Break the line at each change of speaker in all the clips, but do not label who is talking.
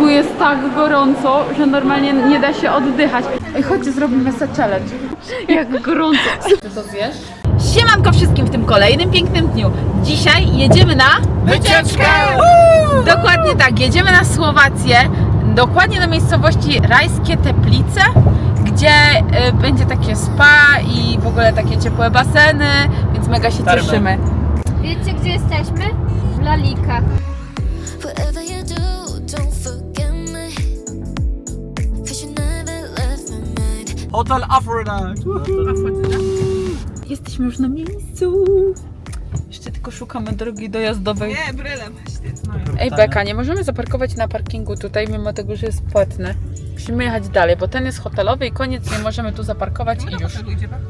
Tu jest tak gorąco, że normalnie nie da się oddychać. Ej, chodźcie, zrobimy sobie challenge. Jak gorąco. Ty to zjesz? Siemanko wszystkim w tym kolejnym pięknym dniu. Dzisiaj jedziemy na
wycieczkę!
Dokładnie tak, jedziemy na Słowację, dokładnie do miejscowości Rajskie Teplice, gdzie będzie takie spa i w ogóle takie ciepłe baseny, więc mega się cieszymy.
Wiecie, gdzie jesteśmy? W Lalikach.
Hotel Aphrodite!
Jesteśmy już na miejscu. Jeszcze tylko szukamy drogi dojazdowej.
Nie, bryle właśnie.
Ej Beka, nie możemy zaparkować na parkingu tutaj, mimo tego, że jest płatny. Musimy jechać dalej, bo ten jest hotelowy i koniec, nie możemy tu zaparkować i już.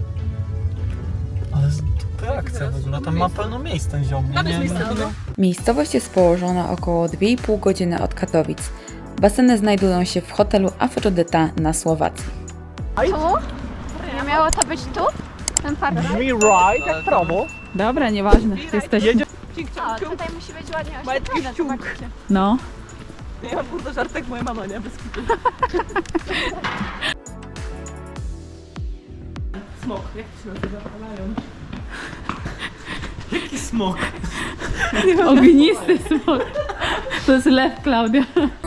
Ale to akcja w ogóle, tam ma pełno miejsc ten ziom.
Miejscowość jest położona około 2,5 godziny od Katowic. Baseny znajdują się w hotelu Afrodyta na Słowacji.
Tu? Nie miało to być tu? Ten park?
Brzmi right jak prawo.
Dobra, nieważne, jesteśmy.
O, tutaj musi być ładnie
Majtki
oświetlone,
w ciąg.
zobaczcie.
No.
Ja mam kurde żartek, moja mama, nie? Bez kitu. Smok, jak to się nazywa? Lion.
Jaki smok?
Ognisty smok. To jest lew, Klaudia.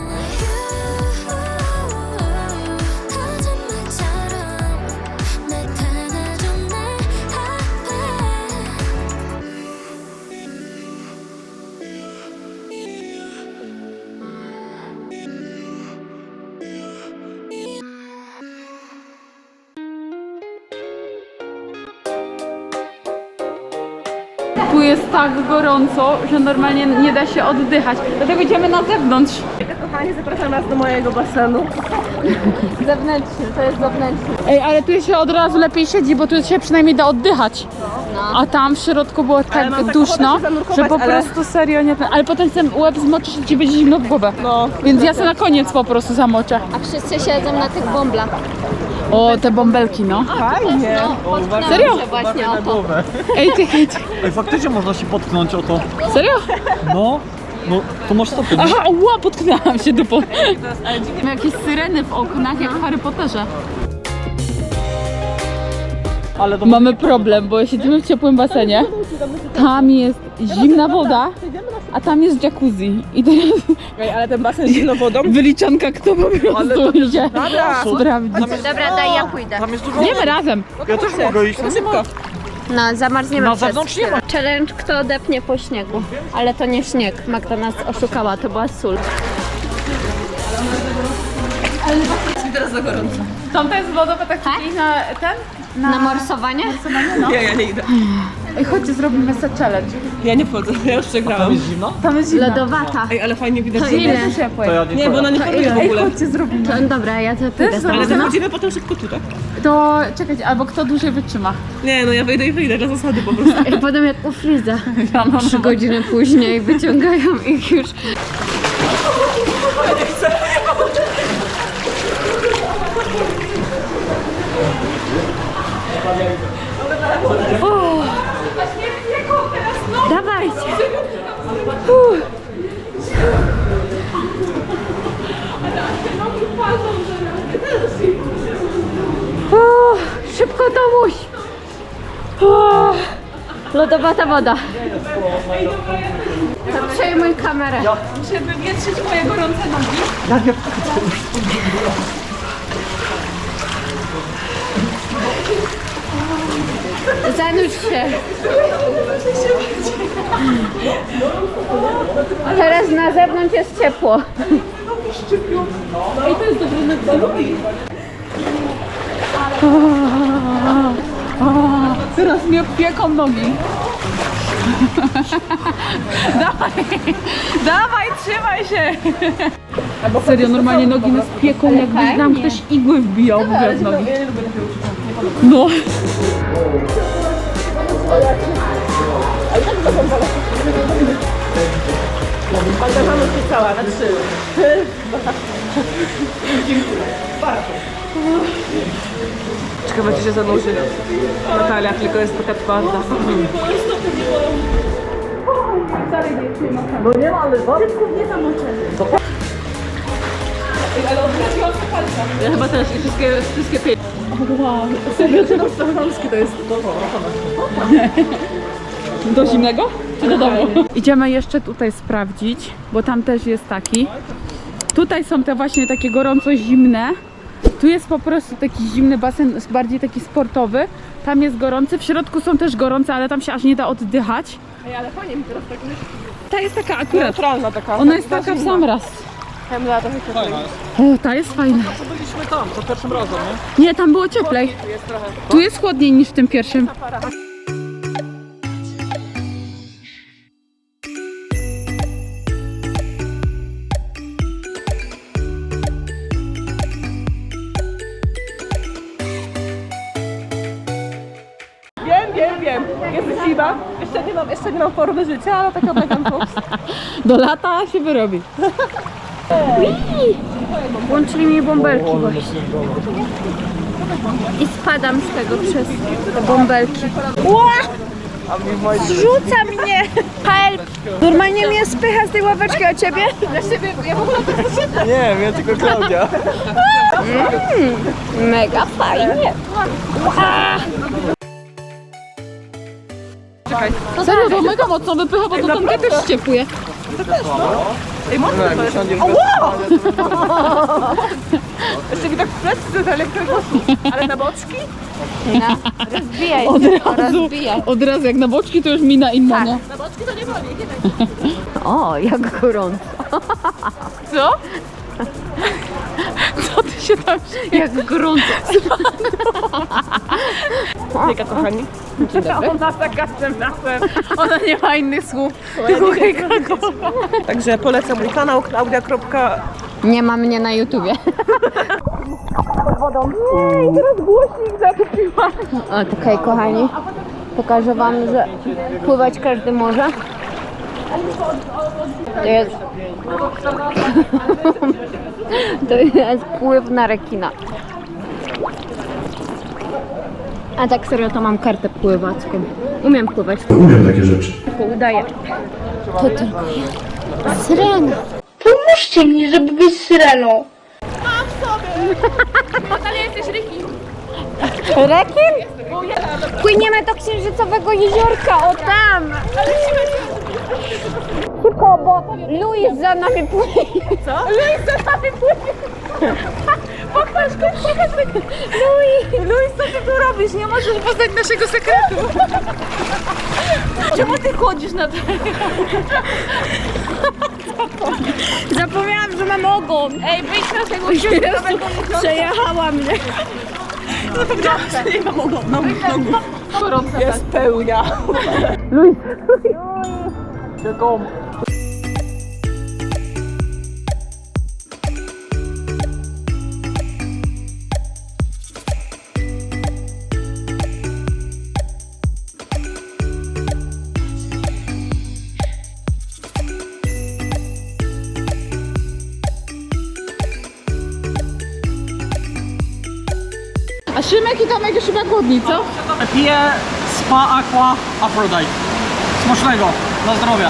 Tu jest tak gorąco, że normalnie nie da się oddychać. Dlatego idziemy na zewnątrz.
Kochani, zapraszam was do mojego basenu.
Zewnętrzny, to jest zewnętrzny.
Ej, ale tu się od razu lepiej siedzi, bo tu się przynajmniej da oddychać. A tam w środku było
mam
tak
taką
duszno,
ochotę się zanurkować,
że po
ale-
prostu serio nie... Ale potem ten łeb zmoczysz i ci będzie zimno w głowę.
No.
Więc ja sobie na koniec po prostu zamoczę.
A wszyscy siedzą na tych bąblach.
O, te bąbelki, no.
Fajnie.
No, potknęłam
Serio?
się właśnie o to.
głowę.
Ej, ty,
Ej, faktycznie można się potknąć o to.
serio?
No, to masz stopy.
Aha, ła, potknęłam się dupą. Jakieś syreny w oknach, jak w Harry Potterze.
Ale to
Mamy problem, bo siedzimy w ciepłym basenie. Tam jest zimna woda, a tam jest jacuzzi. I teraz
Ej, ale ten basen z zimną wodą.
wyliczanka, kto po prostu idzie sprawdzić.
Dobra, daj, ja pójdę.
tam jest dużo.
Idziemy razem.
Ja też mogę iść.
Szybko.
No, zamarzniemy
Na
przez
zewnątrz nie ma.
chwilę. Challenge, kto odepnie po śniegu. Ale to nie śnieg. Magda nas oszukała, to była sól.
Tam jest wodowa, tak czyli na ten?
Na morsowanie?
Nie, ja nie idę.
Ej, chodźcie, zrobimy sobie challenge.
Ja nie wchodzę, ja już
Tam
przegrałam.
jest zimno?
Tam jest zimno.
Lodowata.
Ej, ale fajnie widać.
To
że-
ile?
Ciepłe.
To ja
Nie, bo ona nie choruje w
Ej,
ogóle.
chodźcie, zrobimy.
To, dobra, ja to pójdę z
Ale
tobą.
zachodzimy potem szybko tu, tak?
To czekać, albo kto dłużej wytrzyma.
Nie, no ja wyjdę i wyjdę, dla zasady po prostu.
I potem jak u Friza.
No,
3 godziny później wyciągają ich już. Dawajcie. Szybko Tomuś. Lodowata woda. To przejmuj kamerę.
Muszę wywietrzyć moje gorące nogi.
Zanurz się. Teraz na zewnątrz jest ciepło.
Ej, to jest dobre na Teraz mnie pieką nogi. Dawaj, trzymaj się. Serio, normalnie nogi nas pieką, jakby nam ktoś igły wbijał w ogóle w nogi. No.
Magda się cała, na 3. Ciekawe, czy się zanurzy. Natalia, tylko jest taka twarda.
No nie ma, ale
Ja chyba też i wszystkie pięć. Wow, serio, czy polski to jest?
Do zimnego? Czy do domu? Idziemy jeszcze tutaj sprawdzić, bo tam też jest taki. Tutaj są te właśnie takie gorąco-zimne. Tu jest po prostu taki zimny basen, bardziej taki sportowy. Tam jest gorący, w środku są też gorące, ale tam się aż nie da oddychać.
Ej, ale fajnie mi teraz tak
Ta jest taka akurat,
neutralna taka.
ona jest taka w sam raz.
Chemla trochę
Fajna jest.
O, ta jest fajna.
Co byliśmy tam, za pierwszym razem, nie?
Nie, tam było cieplej.
jest trochę.
Tu jest chłodniej niż w tym pierwszym.
Wiem. Jest zima. Jeszcze nie mam formy życia, ale taka Megan Fox.
Do lata się wyrobi.
Włączyli mi bąbelki właśnie. I spadam z tego przez te bąbelki.
Rzuca mnie! Help! Normalnie mnie spycha z tej ławeczki, a ciebie?
Nie, ja tylko Klaudia.
Mega fajnie.
Serio, to mega mocno wypycha, bo to tam też ściepuje.
Ej, mocno to jest. Jeszcze mi tak w plecy to elektroposzło. Ale na boczki?
Rozbijaj
Od
się,
razu.
rozbijaj.
Od razu, jak na boczki to już mina inna, nie?
Na boczki to nie boli, nie?
O, jak gorąco.
Co? Co ty się tam...
Jak gorąco.
Hejka, kochani.
Ona za każdym razem. Ona nie ma innych słów. Tylko hejka,
Także polecam mój kanał Klaudia.
Nie ma mnie na YouTubie. Okej, kochani. Pokażę wam, że pływać każdy może. To jest pływ na rekina. A tak serio to mam kartę pływacką. Umiem pływać.
Umiem takie rzeczy.
Tylko udaję. To tylko ja. Syrena.
Pomóżcie mi, żeby być syreną.
Rekin? Płyniemy do księżycowego jeziorka, o tam! Szybko, bo Luis za nami płynie. Co? Luis za nami płynie. Pokaż. Luis, co ty tu robisz? Nie możesz poznać naszego sekretu. Czemu ty chodzisz na to? Zapomniałam, że mam ogon. Ej, wyjdź na tego księżycowego jeziorka. Przejechała mnie.
Nie mam nogu. Jest pełnia.
A Szymek i Tomek już chyba głodni, co?
Piję Spa Aqua Aphrodite. Smacznego, na zdrowie.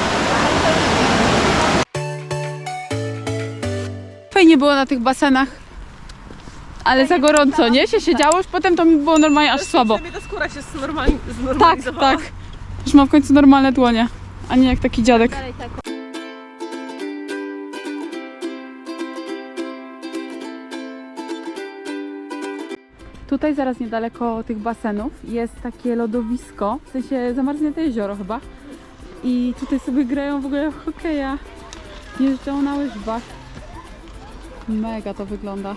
Fajnie było na tych basenach, ale za gorąco, nie? Się siedziało, już potem to mi było normalnie aż słabo.
Ta skóra się
Tak,
znormalizowała.
tak. Już mam w końcu normalne dłonie, a nie jak taki dziadek. Tutaj zaraz niedaleko tych basenów jest takie lodowisko, w sensie zamarznięte jezioro chyba. I tutaj sobie grają w ogóle w hokeja, jeżdżą na łyżwach. Mega to wygląda.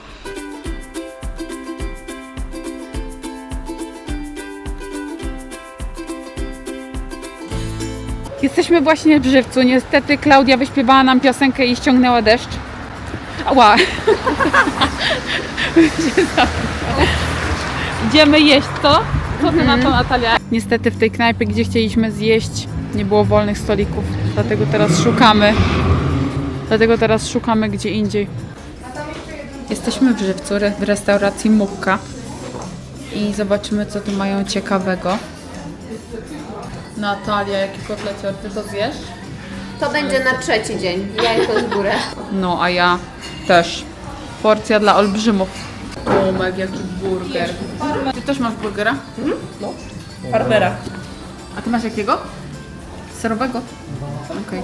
Jesteśmy właśnie w Żywcu. Niestety Klaudia wyśpiewała nam piosenkę i ściągnęła deszcz. Ała! Idziemy jeść, co? Co ty na to, Natalia? Niestety w tej knajpie, gdzie chcieliśmy zjeść, nie było wolnych stolików. Dlatego teraz szukamy gdzie indziej. Jesteśmy w Żywcu, w restauracji Mukka. I zobaczymy, co tu mają ciekawego. Natalia, jaki kotlecior, ty to zjesz?
To będzie na trzeci dzień. Jajko z górę.
No, a ja też. Porcja dla olbrzymów. O, Meg, jaki burger. Ty też masz burgera?
Farmera.
A ty masz jakiego? Serowego? Okej.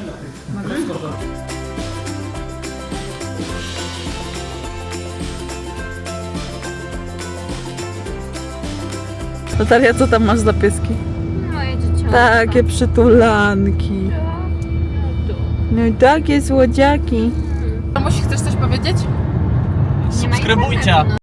Natalia, co tam masz za pieski?
Moje dzieciątko.
Takie przytulanki. No i takie słodziaki.
Mamuś, chcesz coś powiedzieć?
Subskrybujcie.